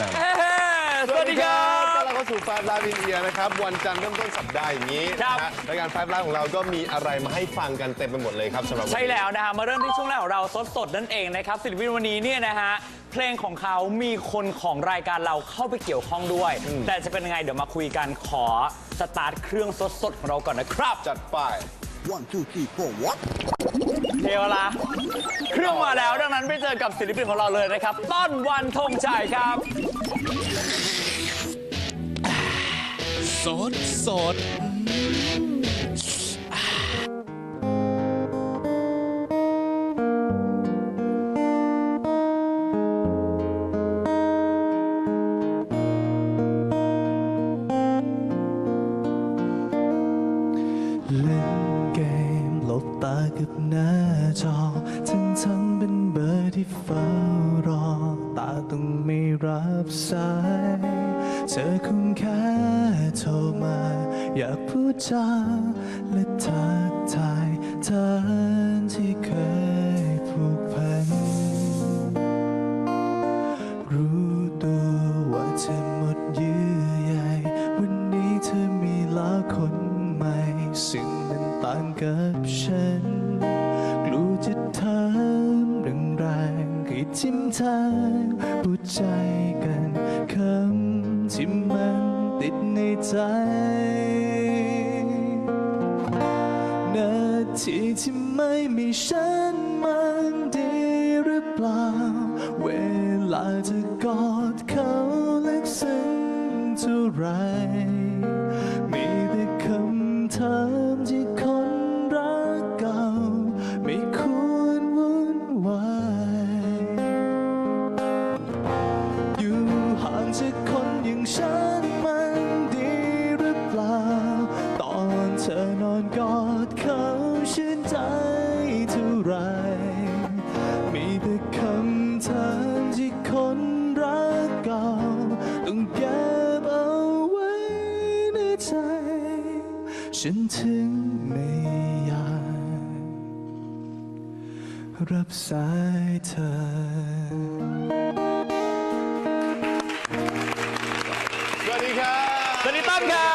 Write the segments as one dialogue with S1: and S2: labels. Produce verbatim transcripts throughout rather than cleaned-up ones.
S1: สวัสดีครับ
S2: ต้อนรับเข้าสู่ไฟฟ์ไลฟ์อินเดียนะครับวันจันทร์เริ่มต้นสัปดาห์อย่างนี้นะฮะรายการไฟฟ์ไลฟ์ของเราก็มีอะไรมาให้ฟังกันเต็มไปหมดเลยครับสำหรับ
S1: ใช่แล้วนะฮะมาเริ่มที่ช่วงแรกของเราสดๆนั่นเองนะครับศิลปินวันนี้เนี่ยนะฮะเพลงของเขามีคนของรายการเราเข้าไปเกี่ยวข้องด้วย แต่จะเป็นยังไงเดี๋ยวมาคุยกันขอสตาร์ทเครื่องสดๆของเราก่อนนะครับ
S2: จัดไป
S3: one two three four what
S1: เทวละเครื่องมาแล้วดังนั้นไปเจอกับศิลปินของเราเลยนะครับต้นวันธงชัยครับ
S4: สดสดเล่นเกมหลบตากับหน้าจอทั้งทั้งเป็นเบอร์ที่เฝ้ารอตาต้องไม่รับสายเธอคงแค่โทรมาอยากพูดจาและทักทายเธอที่เคยผูกพันรู้ตัวว่าเธอหมดเยื่อใยวันนี้เธอมีแล้วคนใหม่ซึ่งมันต่างกับฉันกลัวจะถามแรงๆให้ทิมทางพูดใจกันคำที่มันติดในใจนาทีที่ไม่มีฉันมันดีหรือเปล่าเวลาจะกอดเขาลึกซึ้งเท่าไรมีแต่คำถามที่คนรักเก่าไม่ควรวุ่นวายอยู่ห่างจากคนอย่างฉันมันดีหรือเปล่าตอนเธอนอนกอดเขาชื่นใจเท่าไรมีแต่คำถามที่คนรักเก่าต้องเก็บเอาไว้ในใจฉันถึงไม่อยากรับสายเธอ
S2: สวัสดีครับ
S1: สวัสดีต้นครับ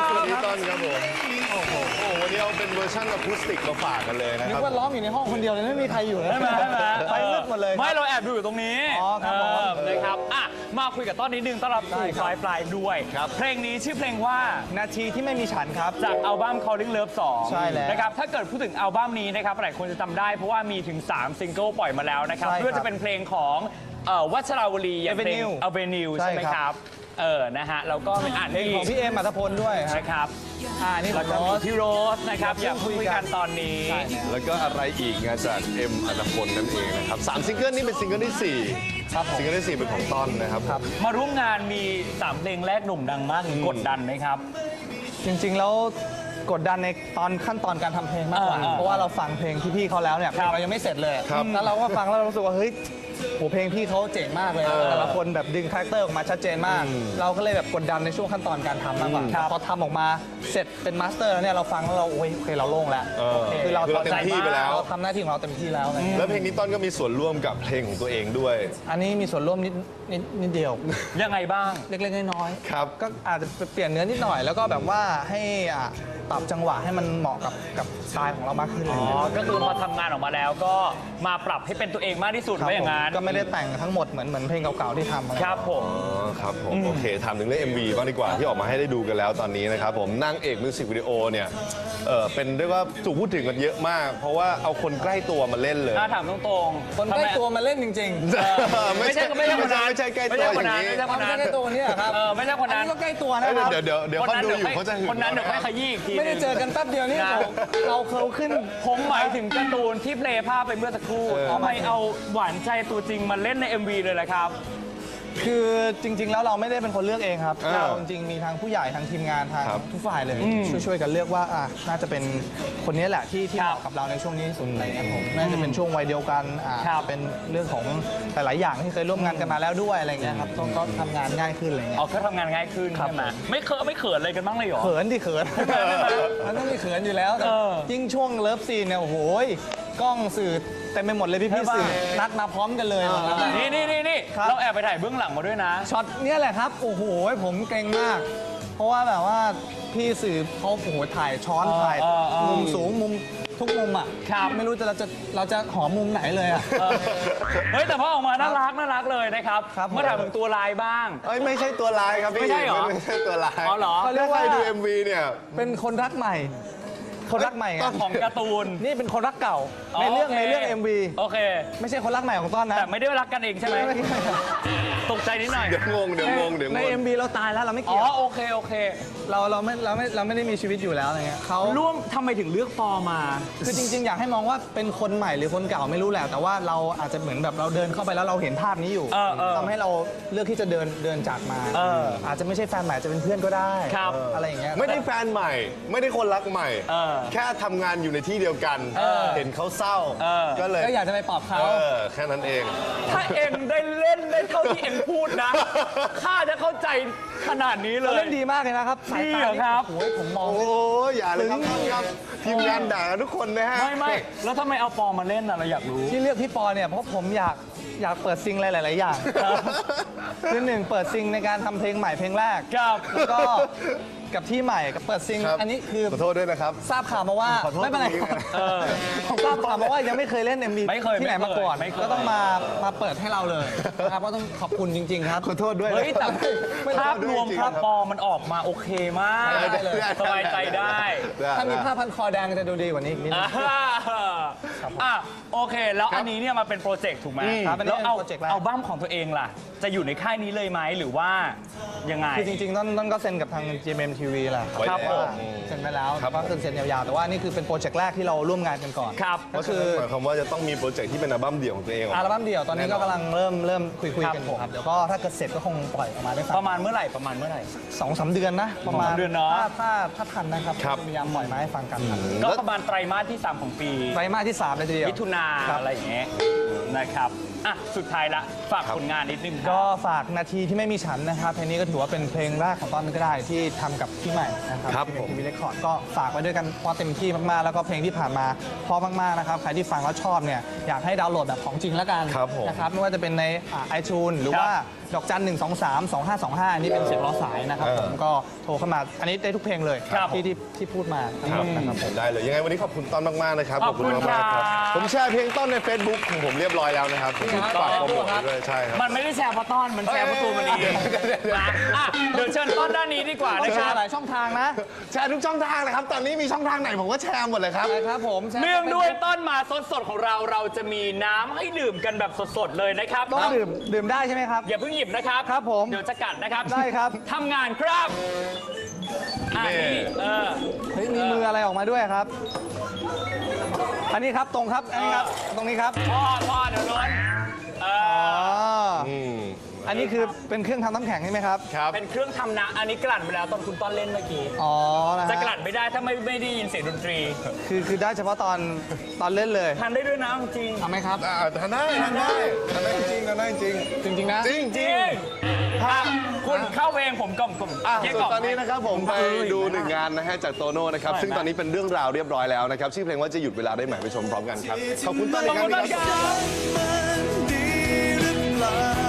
S2: สวัสดีต้นครับผมโอ้โหวันนี้เอาเป็นเวอร์ชันอะคูสติกมาฝากกันเลยนะ
S5: นึ
S2: ค
S5: ก
S2: รับ
S5: ว่าร้องอยู่ในห้องคนเดียวเลยไม่มีใครอยู่เลย
S1: ใช่ไหมใช่ไหม
S5: ไปมืดหมดเลย
S1: ไม่เราแอบดูอยู่ตรงนี้
S5: อ๋อครับผม
S1: เออนะครับอ่ะมาคุยกับต้นนิดนึงต้อนรับสู่
S5: ได้ครับ
S1: ไฟล์ไฟล์ด้วย เพลงนี้ชื่อเพลงว่า
S5: นาทีที่ไม่มีฉันครับ
S1: จากอัลบั้ม Calling Love สอง
S5: ใช่แล้ว
S1: นะครับถ้าเกิดพูดถึงอัลบั้มนี้นะครับหลายคนจะจำได้เพราะว่ามีถึงสามซิงเกิลปล่อยมาแล้วนะครับ
S5: ใช่ครับ
S1: ไม่ว่าจะเป็นเพลงของเอ่อวัชราวลีอย่างเพลง
S5: Avenue
S1: Avenue
S5: ใช่
S1: ใช่ไหม
S5: ครับ
S1: ครับเออนะฮะแล้วก็เป็นอ่าน
S5: เพลงของพี่เอมอัตพลด้วยครับ
S1: นะครับ
S5: อ่านี่ข
S1: แล้
S5: อ
S1: ว
S5: ง
S1: ก็
S5: โร
S1: มี
S5: ส
S1: พี่โรสนะครับอยากคุยกันตอนนี้
S5: ใช่แล้ว
S2: แล้วก็อะไรอีกงานจากเอ็มอัตพลนั่นเองนะครับสามซิงเกิลนี่เป็นซิงเกิลที่สี่
S5: ครับผม
S2: ซิงเกิลที่สี่เป็นของต้นนะครับ
S1: มาร่วมงานมีสามเพลงแรกหนุ่มดังมากกดดันไหมครับ
S5: จริงๆแล้วกดดันในตอนขั้นตอนการทำเพลงมากกว่า
S1: อ่า
S5: เพราะว่าเราฟังเพลงพี่ๆเขาแล้วเนี่ยเพลงเรายังไม่เสร็จเลย
S2: ครับ
S5: แล้วเราก็ฟังแล้วเรารู้สึกว่าเฮ้ยโหเพลงพี่เขาเจ๋งมากเลยแต่ละคนแบบดึงคาแรคเตอร์ออกมาชัดเจนมาก เราก็เลยแบบกดดันในช่วงขั้นตอนการทำมากกว่าพอทำออกมาเสร็จเป็นมาสเตอร์แล้วเนี่ยเราฟังแล้วเราโอ้ยโอเคเราโล่งแล้ว
S2: เออ
S5: คือเรา
S2: คือเราเต็มที่ไปแล้ว
S5: เราทำหน้าที่ของเราเต็มที่แล้วอะไรเงี้ย
S2: แล้วเพลงนี้ต้นก็มีส่วนร่วมกับเพลงของตัวเองด้วย
S5: อันนี้มีส่วนร่วมนิดนิดนิดเดียว
S1: ยังไงบ้าง
S5: เล็กๆน้อยๆ
S2: ครับ
S5: ก็อาจจะเปลี่ยนเนื้อนิดหน่อย แล้วก็แบบว่าให้อ่ะปรับจังหวะให้มันเหมาะกับกับสไตล์ของเรามากขึ้น
S1: อ๋อ ก็คือพอทำงานออกมาแล้วก็มาปรับให้เป็นตัวเองมากที่สุด
S5: ครับ
S1: ไว้อย่าง
S5: ผม
S1: นั้น
S5: ก็ไม่ได้แต่งทั้งหมดเหมือนเหมือนเพลงเก่าๆที่ทำอะไร
S1: ครับผม
S2: อ๋อครับผมโอเคถามถึงเรื่อง เอ็ม วี บ้างดีกว่าที่ออกมาให้ได้ดูกันแล้วตอนนี้นะครับผมนางเอกมิวสิกวิดีโอเนี่ยเออเป็นเรียกว่าถูกพูดถึงกันเยอะมาก เพราะว่าเอาคนใกล้ตัวมาเล่นเลย
S1: ถ้าถามตรงๆ
S5: คนใกล้ตัวมาเล่นจริงๆ
S1: ไม่ใช่ไม่ใช่คนนั้น
S2: ไม่ใช่ใกล้
S1: ไม่
S2: ตัว
S1: ใช่
S2: อ
S1: คน
S2: ย่าง
S1: นั้น
S2: นี้
S1: ไม่ใช่
S5: ค
S1: คน น
S5: ใก
S1: นั้น
S5: ล้ตัวเนี่ยครับ
S1: เออไม่ใช่คน
S5: อัน
S1: นั้น
S5: นี้ก็ใกล้ตัว
S2: เอ้
S5: นะ
S2: ย
S5: ครับ
S2: เดี๋ยวเดี๋ยวเดี๋ยวเขาดูอยู่เขาจะหึง
S1: คนนั้นเดี๋ยวค่อยขยี้อีกที
S5: ไม่ได้เจอกันแป๊บเดียวนี่
S1: นะ
S5: เราเขาขึ้น
S1: ผมหมายถึงการ์ตูนที่เพลย์ภาพไปเมื่อสักครู่ทำไมเอาหวานใจตัวจริงมาเล่นใน เอ็ม วี เลยล่ะครับ
S5: คือจริง ๆ แล้วเราไม่ได้เป็นคนเลือกเองครับ
S2: อ้าว
S5: เราจริงๆมีทางผู้ใหญ่ทางทีมงานทาง
S2: ครับ
S5: ทุกฝ่ายเลยช่วยๆกันเลือกว่าอ่ะน่าจะเป็นคนนี้แหละที่ที่
S1: ค
S5: เห
S1: รับ
S5: มาะกับเราในช่วงนี้ที่สุดอะไรเงี้ยผมน่าจะเป็นช่วงวัยเดียวกันอ่ะ
S1: ครับ
S5: เป็นเรื่องของหลายๆอย่างที่เคยร่วมงานกันมาแล้วด้วยอะไรเงี้ยครับก็ก็ทำงานง่ายขึ้นอะไรเงี้ย
S1: อ๋อก็ทำงานง่ายขึ้น
S5: ครับ
S1: ใช่ไหมไม่เคอะไม่เขินอะไรกันบ้างเลยเหรอ
S5: เขินดิเขินมันต้องมีเขินอยู่แล้วแต่
S1: เออ
S5: ยิ่งช่วงเลิฟซีนเนี่ยโอ้โหกล้องสื่อเต็มไปหมดเลยพี่พี่ๆสื่อนัดมาพร้อมกันเลยวันนั้น
S1: นี่นี่นี่นี่
S5: ครับ
S1: เราแอบไปถ่ายเบื้องหลังมาด้วยนะ
S5: ช็อตเนี้ยแหละครับ โอ้โห ผมเกรงมาก เพราะว่าแบบว่าพี่สื่อเขาโอ้โหถ่ายช้อน
S1: เออ
S5: ถ่าย
S1: เออเออ
S5: มุมสูงมุมทุกมุมอ่ะ
S1: ครับ
S5: ไม่รู้จะเราจะเราจะหอมมุมไหนเลยอ่ะ
S1: เออเฮ้ยแต่พอออกมาน่ารักน่ารักเลยนะครับ
S5: ครับผม
S1: เมื่อถามถึงตัวลายบ้าง
S2: เอ้ยไม่ใช่ตัวร้ายครับพี่
S1: ไม่ใช่เหรอ
S2: ไม่ใช่ตัวร้าย
S1: อ๋อเหรอ
S5: เขาเรีย
S2: ถ้าก ใคร
S5: ว่า
S2: ดู เอ็ม วี เนี่ย
S5: เป็นคนรักใหม่ คนรักใหม่ไง
S1: ของการ์ตูน
S5: นี่เป็นคนรักเก่า ในเรื่อง
S1: โค
S5: ในเรื่อง เอ็ม วี
S1: โอเค
S5: ไม่ใช่คนรักใหม่ของต้นนะ
S1: แต่ไม่ได้รักกันเองใช่ไหมตกใจนิดหน่อย
S2: เดี๋ยวงงเดี๋ยวงงเดี๋ยวง
S5: ใน
S2: ง
S5: เอ็ม วี เราตายแล้วเราไม่
S1: อ๋อ
S5: เกี่ยว
S1: โอเคโอเค
S5: เราเราไม่เราไม่เราไม่ได้มีชีวิตอยู่แล้วอะไรเงี้ยเขา
S1: ร่วมทำไมถึงเลือกปอมา
S5: คือจริง ๆ อยากให้มองว่าเป็นคนใหม่หรือคนเก่าไม่รู้แหละแต่ว่าเราอาจจะเหมือนแบบเราเดินเข้าไปแล้วเราเห็นภาพนี้อยู่
S1: เออเออ
S5: ทำให้เราเลือกที่จะเดินเดินจากมา
S1: เออ
S5: อาจจะไม่ใช่แฟนใหม่อาจจะเป็นเพื่อนก็ได้
S1: ครับ
S5: อะไรอย่างเงี้ย
S2: ไม่ได้แฟนใหม่ ไม่ได้คนรักใหม่
S1: เออ
S2: แค่ทำงานอยู่ในที่เดียวกัน
S1: เออ
S2: เห็นเขาเศร้า
S1: เออ
S2: ก็เลย
S5: ก็อยากจะไปปลอบเขา
S2: เออแค่นั้นเอง
S1: ถ้าเอ็งได้เล่นได้เท่าที่เอ็งพูดนะ ข้าจะเข้าใจขนาดนี้เล
S5: เรา
S1: ย
S5: เล่นดีมากเลยนะครับสาย
S1: ดี
S5: ตา
S1: เหรอครับ
S5: โอ้ยผมมอง
S2: โอ้ยอย่าเลยครับท่านครับทีมงานด่ากันทุกคนนะฮะ
S1: ไม่ไม่แล้วทำไมเอาปอมาเล่นน่ะเราอยากรู้
S5: ที่เลือกพี่ปอเนี่ยเพราะผมอยากอยากเปิดซิงหลาย ๆ อย่างคือหนึ่งเปิดซิงในการทำเพลงใหม่เพลงแรก
S1: ครับ
S5: แล้วก็กับที่ใหม่กับเปิดซิง
S2: ครับ
S5: อันนี้คือ
S2: ขอโทษด้วยนะครับ
S5: ทราบข่าวมาว่า
S2: ขอโทษ
S5: ไม่เป็นไร
S2: ตรงนี้นะ
S1: เออ
S5: ผมทราบข่าวมาว่ายังไม่เคยเล่น เอ็ม วี
S1: ไม่เคย
S5: ที่ไหน
S1: ไม่
S5: มา
S1: เคย
S5: ก่อน
S1: ไม่เคย
S5: ก็ต้องมามาเปิดให้เราเลยนะครับก็ต้องขอบคุณจริง ๆ ครับ
S2: ขอโทษด้วยนะ
S1: เฮ้ยแต่
S5: ไม่
S1: ภาพรวม
S2: จริงๆ
S1: ภาพปอมันออกมาโอเคมาก
S5: ได้เลย
S1: สบายใจได้
S2: ได้
S5: ถ้ามีผ้าพันคอแดงจะดูดีกว่านี้อีกนิดนึ
S1: อ่าง อ่ะโอเค แล้วอันนี้เนี่ยมาเป็นโปรเจกต์ถูกไหม
S5: ครับอันนี้
S1: แล้วเอา
S5: เป็นโปรเจกต์แรก
S1: เอาบ้ามของตัวเองล่ะ จะอยู่ในค่ายนี้เลยไหมหรือว่ายังไง
S5: คือจริงๆต้นต้นก็เซ็นกับทาง จี เอ็ม เอ็ม ที วี แหละ
S2: ไว้
S5: ครับ
S2: แล้ว
S5: ว่าเซ็นไปแล้ว
S2: ครับ
S5: ก็คือเซ็นยาวๆแต่ว่านี่คือเป็นโปรเจกต์แรกที่เราร่วมงานกันก่อน
S1: ครับ
S2: ก็คือหมายความว่าจะต้องมีโปรเจกต์ที่เป็นอัลบั้มเดี่ยวของตัวเองออก
S5: อัล
S2: มา
S5: บั้มเดี่ยวตอนนี้ก็กำลังเริ่มเริ่มคุยคุย
S1: ครับ
S5: กันอยู่ครับเดี๋ยวก็ถ้าเกิดเสร็จก็คงปล่อยออกมาได้ฟั
S1: ป
S5: ง
S1: ระมาณเมื่อไหร่ประมาณเมื่อไหร่
S5: สองสามเดือนนะประมาณ
S1: สองสามเดือนเนอะ
S5: ถ้าถ้าถ้าทันนะครับ
S2: ครับ
S5: พยายามปล่อยมาให้ฟังกันครับ
S1: ก็ประมาณไตรมาสที่ สาม ของปี
S5: ไตรมาสที่สามเลยทีเดียว
S1: มิถุนา
S5: ครับ
S1: อะไรอย่างเงี้ยนะครับอ่ะสุดท้ายละฝากผลงานนิดนึงครับ
S5: ก็ฝากนาทีที่ไม่มีฉันนะครับเพลงนี้ก็ถือว่าเป็นเพลงแรกของต้นก็ได้ที่ทำกับพี่ใหม่นะครับ
S2: ครับ
S5: ที่
S2: ผม
S5: ทีวีเรคคอร์ดก็ฝากไว้ด้วยกันเพราะเต็มที่มากๆแล้วก็เพลงที่ผ่านมาเพราะมากๆนะครับใครที่ฟังแล้วชอบเนี่ยอยากให้ดาวน์โหลดแบบของจริงแล้วกัน
S2: ครับผม
S5: นะครับไม่ว่าจะเป็นในไอจูนหรือว่าดอกจันหนึ่งสองสามสองห้าสองห้านี่เป็นเสียงล้อสายนะครับ
S2: เออ
S5: ผมก็โทรเข้ามาอันนี้ได้ทุกเพลงเลย
S1: ครับ
S5: ที่ที่ที่พูดมาทั้งหมดนะครับผม
S2: ได้เลยยังไงวันนี้ขอบคุณต้นมาก ๆ นะครับ
S1: ขอบคุณ
S2: มากๆ
S1: ครับ
S2: ผมแชร์เพลงต้นใน Facebook ของผมเรียบร้อยแล้วนะครับฝากโปรโมทไว้ด้วยใช่ครับ
S1: มันไม่ได้แชร์เพราะต้อนมันแชร์เพราะตัวมันเองนะอ่ะเดี๋ยวเชิญต้อนด้านนี้ดีกว่า
S5: ต้อ
S1: นะ
S5: ง
S1: ค
S5: แช
S1: รับ
S5: ร์หลายช่องทางนะ
S2: แชร์ทุกช่องทางเลยครับ ตอนนี้มีช่องทางไหนผมก็แชร์หมดเลยครับ
S5: นะครับผมแชร์
S1: เนื่องด้วยต้นมาสดสดๆของเราเราจะมีน้ำให้ดื่มกันแบบสดๆเลยนะครับ
S5: ต้องดื่มดื่มได้ใช่ไหมครับ
S1: อย่าเพิ่งหยิบนะครับ
S5: ครับผม
S1: เดี๋ยวจะกัดนะครับ
S5: ได้ครับ
S1: ทำงานครับอ่ะ
S2: นี่
S1: นี่เออ
S5: เฮ้ยมีมืออะไรออกมาด้วยครับ อันนี้ครับตรงครับอันนี้ครับตรงนี้ครับ
S1: พ่อพ่อเดี๋ยวร้อนเอ
S5: อ๋
S1: อ
S5: อ
S2: อืม
S5: อันนี้คือเป็นเครื่องทำน้ำแข็งใช่ไหมครับ
S2: ครับ
S1: เป็นเครื่องทำน้ำอันนี้กลั่นไปแล้วตอนคุณต้อนเล่นเมื่อกี้
S5: อ๋อนะ
S1: จะ
S5: ฮะ
S1: กลั่นไม่ได้ถ้าไม่ไม่ได้ยินเสียงดนตรี
S5: คือคือได้เฉพาะตอนตอนเล่นเลย
S1: ทานได้ด้วยนะจริง
S5: ทำไหมครับ
S2: อ่าทำได้ทำได้ทำได้จริงทำได้จริง
S5: จริงๆนะ
S2: จริงจ
S1: จ
S2: ริ
S1: ริ
S2: ง
S1: งถ้าคุณเข้าเพลงผมกล่อมกล่อม
S2: อ่ะ
S1: เรียก
S2: ส่ว
S1: กล่
S2: น
S1: ม
S2: ตอนนี้นะครับผมไปดูหนึ่งงานนะฮะจากโตโน่นะครับ
S1: ใช่
S2: ซึ่งตอนนี้เป็นเรื่องราวเรียบร้อยแล้วนะครับ ชื่อเพลงว่าจะหยุดเวลาได้ไหมไปชมพร้อมกันครับ ขอบคุณต้นอี
S1: ข
S2: ก
S1: อบ
S2: ครั้
S1: คุ
S2: ง
S1: ณ
S2: หนึ
S1: มาง ก
S2: ครับ
S1: ครับ
S4: มันดีหรือเปล่า